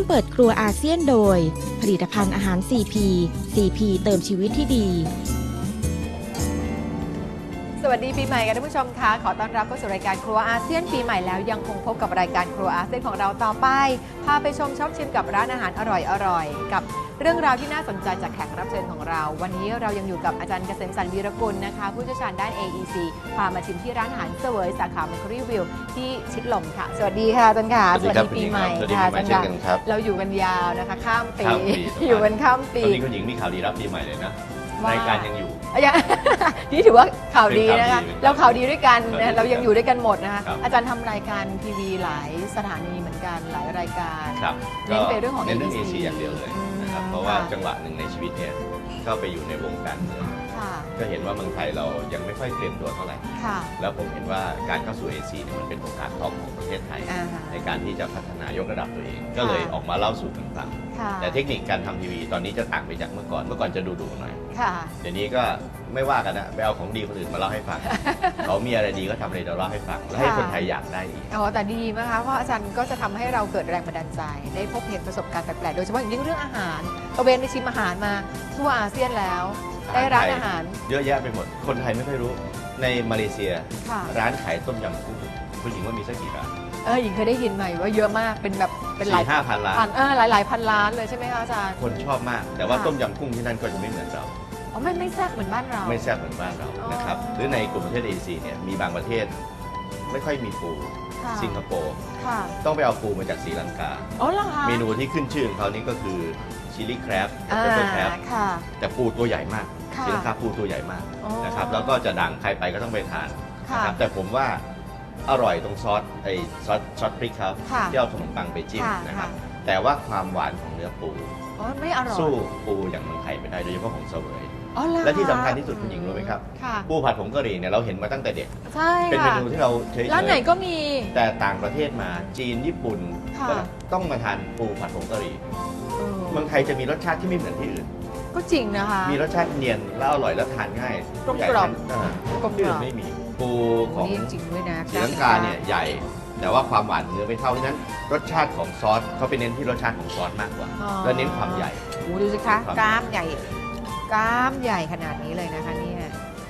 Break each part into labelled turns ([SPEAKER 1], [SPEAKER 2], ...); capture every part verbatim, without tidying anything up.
[SPEAKER 1] เปิดครัวอาเซียนโดยผลิตภัณฑ์อาหาร ซี พี ซี พี เติมชีวิตที่ดี
[SPEAKER 2] สวัสดีปีใหม่กันท่านผู้ชมคะขอต้อนรับเข้าสู่รายการครัวอาเซียนปีใหม่แล้วยังคงพบกับรายการครัวอาเซียนของเราต่อไปพาไปชมช็อปชิมกับร้านอาหารอร่อยๆกับเรื่องราวที่น่าสนใจจากแขกรับเชิญของเราวันนี้เรายังอยู่กับอาจารย์เกษมสันต์วีรกุลนะคะผู้เชี่ยวชาญด้าน เอ อี ซี พามาชิมที่ร้านอาหารเสวยสาขาเมคคารีวิวที่ชิดลมค่ะสวัสดีค่ะอาจารย์ค่ะ
[SPEAKER 3] สวัสดีปีใหม่ค่ะอาจารย์ค่ะ
[SPEAKER 2] เราอยู่กันยาวนะคะข้ามปีอยู่กันข้ามปี
[SPEAKER 3] ตอนนี้คุณหญิงมีข่าวดีรับปีใหม่เลยนะรายการยังอยู่
[SPEAKER 2] นี่ถือว่าข่าวดีนะคะเราข่าวดีด้วยกันนะเรายังอยู่ด้วยกันหมดนะคะอาจารย์ทำรายการทีวีหลายสถานีเหมือนกันหลายรายการเน้นไปเรื่องของ
[SPEAKER 3] เน้นเรื่องเอเชียอย่างเดียวเลยนะครับเพราะว่าจังหวะหนึ่งในชีวิตเนี่ยก็ไปอยู่ในวงการเมืองก็เห็นว่าเมืองไทยเรายังไม่ค่อยเตรียมตัวเท่าไหร่แล้วผมเห็นว่าการเข้าสู่เอเชียมันเป็นโอกาสทองของประเทศไทยในการที่จะพัฒนายกระดับตัวเองก็เลยออกมาเล่าสู่กันฟังแต่เทคนิคการทำทีวีตอนนี้จะต่างไปจากเมื่อก่อนเมื่อก่อนจะดูๆหน่อยเดี๋ยวนี้ก็ไม่ว่ากันนะไปเอาของดีคนอื่นมาเล่าให้ฟังเขามีอะไรดีก็ทำอะไรเราเล่าให้ฟังแล้วให้คนไทยอยากได้ดี
[SPEAKER 2] อ๋อแต่ดีนะคะเพราะอาจารย์ก็จะทำให้เราเกิดแรงบันดาลใจได้พบเห็นประสบการณ์แปลกๆโดยเฉพาะอย่างยิ่งเรื่องอาหารตะเวนไปชิมอาหารมาทั่วอาเซียนแล้วได้ร้านอาหาร
[SPEAKER 3] เยอะแยะไปหมดคนไทยไม่ค่อยรู้ในมาเลเซียร้านขายต้มยำกุ้งคุณหญิงว่ามีสักกี่ร้าน
[SPEAKER 2] เออหญิงเคยได้ยินใหม่ว่าเยอะมากเป็นแบบเป็น
[SPEAKER 3] หลายห้าพันล้าน
[SPEAKER 2] เออหลายหลายพันล้านเลยใช่ไหมคะอาจารย์
[SPEAKER 3] คนชอบมากแต่ว่าต้มยำกุ้งที่นั่นก็จะไม่เหมือนเรา
[SPEAKER 2] อ๋อไม่ไม่แซ่บเหมือนบ้านเรา
[SPEAKER 3] ไม่แซ่บเหมือนบ้านเรานะครับหรือในกลุ่มประเทศเอเชียเนี่ยมีบางประเทศไม่ค่อยมีปูสิงคโปร์ต้องไปเอาปูมาจากศรีลังกาเมนูที่ขึ้นชื่อของเขานี่ก็คือชิลลี่แครบกับเปปเปอร์แครบแต่ปูตัวใหญ่มากศรีลังกาปูตัวใหญ่มากนะครับแล้วก็จะดังใครไปก็ต้องไปทานนะครับแต่ผมว่าอร่อยตรงซอสไอซอสซอสพริกครับที่เอาขนมปังไปจิ้มนะครับแต่ว่าความหวานของเนื้อปูสู้ปูอย่างเมืองไทยไม่ได้โดยเฉพาะของเสวยและที่สำคัญที่สุดคุณหญิงรู้ไหมครับปูผัดผงกะหรี่เนี่ยเราเห็นมาตั้งแต่เด็กเป็นเมนูที่เราเฉยๆ
[SPEAKER 2] ร้านไหนก็มี
[SPEAKER 3] แต่ต่างประเทศมาจีนญี่ปุ่นก็ต้องมาทานปูผัดผงกะหรี่เมืองไทยจะมีรสชาติที่ไม่เหมือนที่อื่น
[SPEAKER 2] ก็จริงนะคะ
[SPEAKER 3] มีรสชาติเนียนแล้วอร่อยและทานง่าย
[SPEAKER 2] กลมกล่อม
[SPEAKER 3] กลมกล่อมไม่มีปูของ
[SPEAKER 2] จริงด้วยนะ
[SPEAKER 3] ศรีลังกาเนี่ยใหญ่แต่ว่าความหวานเนื้อไม่เท่าที่นั้นรสชาติของซอสเขาไปเน้นที่รสชาติของซอสมากกว่าแล้วเน้นความใหญ่
[SPEAKER 2] ดูสิคะกล้ามใหญ่กล้ามใหญ่ขนาดนี้เลยนะคะเนี่ย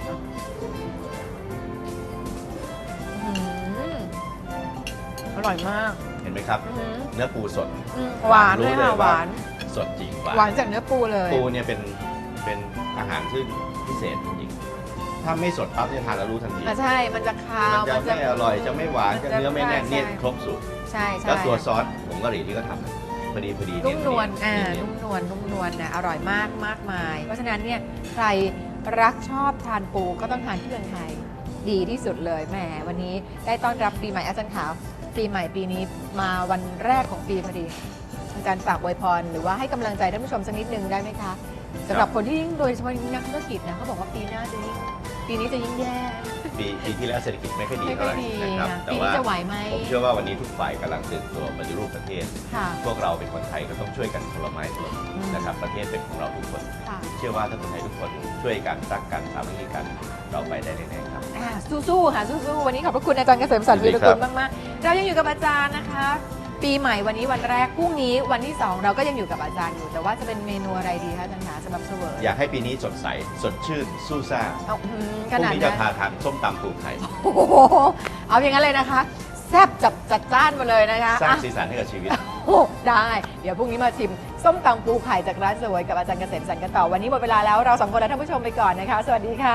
[SPEAKER 2] อร่อยมาก
[SPEAKER 3] เห็นไหมครับเนื้อปูสด
[SPEAKER 2] หวานเลยค่ะหวาน
[SPEAKER 3] สดจริง
[SPEAKER 2] หวานจากเนื้อปูเลย
[SPEAKER 3] ปูเนี่ยเป็นเป็นอาหารซึ่งพิเศษจริงถ้าไม่สดปั๊บเนี่ยทานแล้วรู้ทันที
[SPEAKER 2] ใช่มันจะคาว
[SPEAKER 3] มันจะไม่อร่อยจะไม่หวานจะเนื้อไม่แน่นเนี่ยครบสูตร
[SPEAKER 2] ใช่
[SPEAKER 3] แล้วตัวซอสผงกะหรี่ที่ก็ทำพอดีพอดี
[SPEAKER 2] นุ่มนวลอ่านุ่มนวลนุ่มนวลนะอร่อยมากมากมายเพราะฉะนั้นเนี่ยใครรักชอบทานปูก็ต้องทานที่เมืองไทยดีที่สุดเลยแหมวันนี้ได้ต้อนรับปีใหม่อาจารย์ขาวปีใหม่ปีนี้มาวันแรกของปีพอดีอาจารย์ฝากอวยพรหรือว่าให้กำลังใจท่านผู้ชมสักนิดนึงได้ไหมคะสำหรับคนที่ยิ่งโดยเฉพาะนักธุรกิจนะเขาบอกว่าปีหน้าจะยิ่งปีนี้จะยิ่งแย่
[SPEAKER 3] ปีปีที่แล้วเศรษฐกิจไม่ค่อยดีเท่าไหร่นะครับ
[SPEAKER 2] แต่ว่า
[SPEAKER 3] ผมเชื่อว่าวันนี้ทุกฝ่ายกำลังตื่นตัวปฏิรูปประเทศพวกเราเป็นคนไทยก็ต้องช่วยกันคนละไม้คนละมือนะครับประเทศเป็นของเราทุกคนเชื่อว่าถ้าคนไทยทุกคนช่วยกันรักกันสามัคคีกันเราไปได้แน่ๆครับ
[SPEAKER 2] สู้ๆค่ะสู้ๆวันนี้ขอบพระคุณอาจารย์เกษมสันต์วีรกุลมากๆเรายังอยู่กับอาจารย์นะคะปีใหม่วันนี้วันแรกพรุ่งนี้วันที่สองเราก็ยังอยู่กับอาจารย์อยู่แต่ว่าจะเป็นเมนูอะไรดีคะอาจารย์คะสำหรับเสวย
[SPEAKER 3] อยากให้ปีนี้สดใสสดชื่นสู้ซ่าพรุ่งนี้จะพาทานส้มตำปูไข่
[SPEAKER 2] เอาอย่างนั้นเลยนะคะแซ่บจับจัดจ้านมาเลยนะคะ
[SPEAKER 3] สร้างสีสันให้กับชีวิต
[SPEAKER 2] ได้เดี๋ยวพรุ่งนี้มาชิมส้มตำปูไข่จากร้านเสวยกับอาจารย์เกษมสันต์กันต่อวันนี้หมดเวลาแล้วเราสองคนและท่านผู้ชมไปก่อนนะคะสวัสดีค่ะ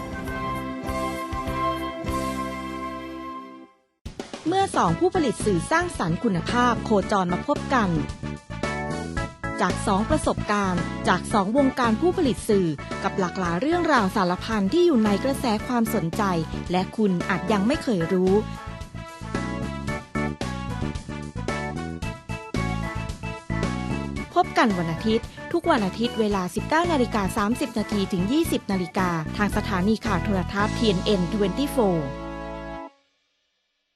[SPEAKER 1] เมื่อสองผู้ผลิตสื่อสร้างสรรค์คุณภาพโคจรมาพบกันจากสองประสบการณ์จากสองวงการผู้ผลิตสื่อกับหลากหลายเรื่องราวสารพันที่อยู่ในกระแสความสนใจและคุณอาจยังไม่เคยรู้พบกันวันอาทิตย์ทุกวันอาทิตย์เวลา สิบเก้านาฬิกาสามสิบนาทีถึง ยี่สิบนาฬิกาทางสถานีข่าวโทรทัศน์ ที เอ็น เอ็น ยี่สิบสี่